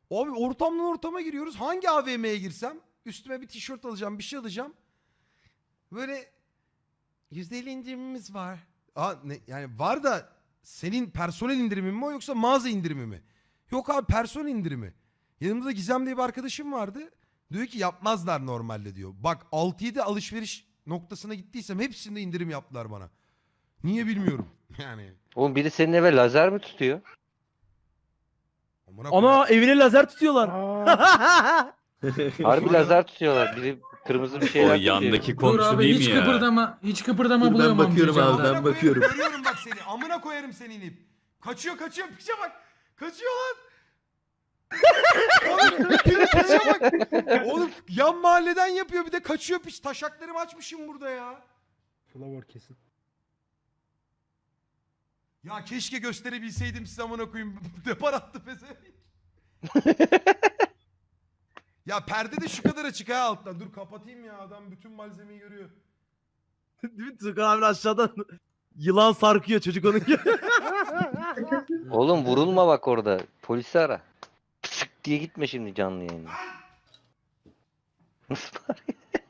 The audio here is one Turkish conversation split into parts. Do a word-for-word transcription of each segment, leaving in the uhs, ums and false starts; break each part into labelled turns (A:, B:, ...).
A: Abi ortamdan ortama giriyoruz. Hangi A V M'ye girsem üstüme bir tişört alacağım, bir şey alacağım. Böyle yüzde elli indirimimiz var. Aa, ne, yani var da senin personel indirimi mi o yoksa mağaza indirimi mi? Yok abi, personel indirimi. Yanımda Gizem diye bir arkadaşım vardı. Diyor ki yapmazlar normalde diyor. Bak altı yedi alışveriş noktasına gittiysem hepsinde indirim yaptılar bana. Niye bilmiyorum. Yani.
B: Oğlum biri senin eve lazer mi tutuyor?
A: Amına koyayım.
C: Ana evine lazer tutuyorlar.
B: Harbi lazer tutuyorlar. Biri kırmızı bir
D: O
B: şeyler tutuyor.
D: yandaki
E: Dur
D: komşu
E: abi
D: değil
E: hiç
D: mi ya?
E: kıpırdama. Hiç kıpırdama
F: Dur, ben
E: bulamam
F: bakıyorum
E: diyeceğim
F: abi,
E: ben.
F: ben
A: Amına koyarım,
F: bakıyorum.
A: Görüyorum bak seni. Amına koyarım seni inip. Kaçıyor kaçıyor piçe bak. Kaçıyor lan. Oğlum piçe bak. Oğlum yan mahalleden yapıyor bir de kaçıyor piç. Taşaklarımı açmışım burada ya.
C: Flower kesin.
A: Ya keşke gösterebilseydim size amına koyayım. Depar attı pezevenk. Ya perde de şu kadar açık ha alttan. Dur kapatayım ya, adam bütün malzemeyi görüyor.
C: Değil mi? Tukan abi aşağıdan yılan sarkıyor çocuk onun gibi.
B: Oğlum vurulma bak orada. Polisi ara. Pısık diye gitme şimdi canlı yayına. Nasıl var?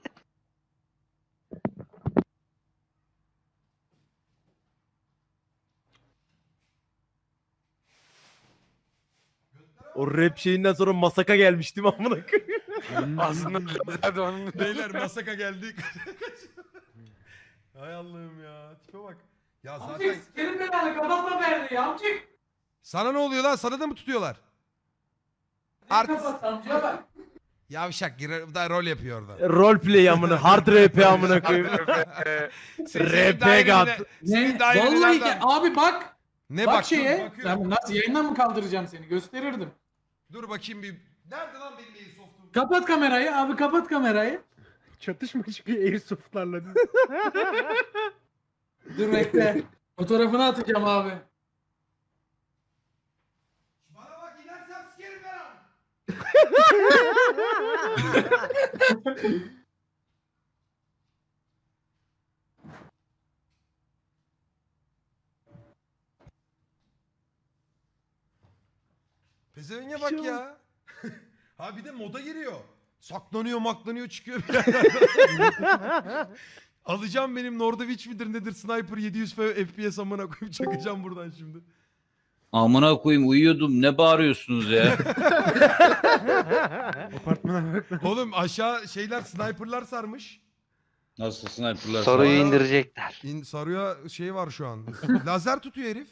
C: O rap şeyinden sonra masaka gelmiş değil mi amına koyayım?
G: Aslında zaten onun
A: Beyler masaka geldik. Hay Allah'ım ya. Tipe bak. Ya zaten...
E: Amcık sikerim ben abi kapatma perdeyi amcık.
A: Sana ne oluyor lan? Sana da mı tutuyorlar?
E: Ne
A: Artist.
E: kapat amcaya bak.
A: Yavşak girer, da rol yapıyor orada.
C: Roleplay amına, hard rap amına koyayım. R P gat.
E: Ne? Vallahi ki abi bak.
A: Ne
E: bak
A: bak,
E: şeye.
A: dur, bakıyorum.
E: Ben nasıl yayından mı kaldıracağım seni? Gösterirdim.
A: Dur bakayım bir. Nerede lan benim Airsoft'um?
E: Kapat kamerayı abi kapat kamerayı.
C: Çatışma çıkıyor airsoftlarla.
E: Dur bekle. Fotoğrafını atacağım abi.
A: Bana bak, inersem sikerim ben ha. Pezevenge bak ya. Ha bir de moda giriyor. Saklanıyor maklanıyor çıkıyor bir yerden. Alacağım benim Nordovic midir nedir sniper yedi yüz F P S amına koyup çakacağım buradan şimdi.
D: Amına koyayım uyuyordum. Ne bağırıyorsunuz ya?
A: Oğlum aşağı şeyler sniperlar sarmış.
D: Nasıl sniperlar?
B: Soruyu
A: Aa.
B: indirecekler.
A: İn, sarıya şey var şu an. Lazer tutuyor herif.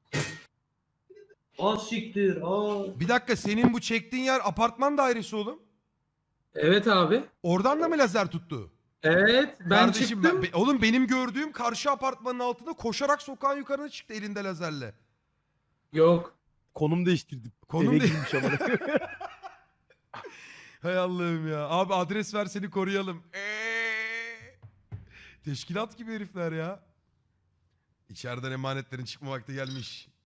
H: Az siktir. Aa.
A: Bir dakika, senin bu çektiğin yer apartman dairesi oğlum.
E: Evet abi.
A: Oradan da mı lazer tuttu?
E: Evet ben
A: Kardeşim
E: çıktım.
A: ben, be- oğlum benim gördüğüm karşı apartmanın altında koşarak sokağın yukarına çıktı elinde lazerle.
E: Yok.
C: Konum değiştirdim.
A: Konum
C: Eve
A: de-
C: girmiş amına koyayım.
A: Hay Allah'ım ya. Abi adres ver seni koruyalım. Eee. Teşkilat gibi herifler ya. İçeriden emanetlerin çıkma vakti gelmiş.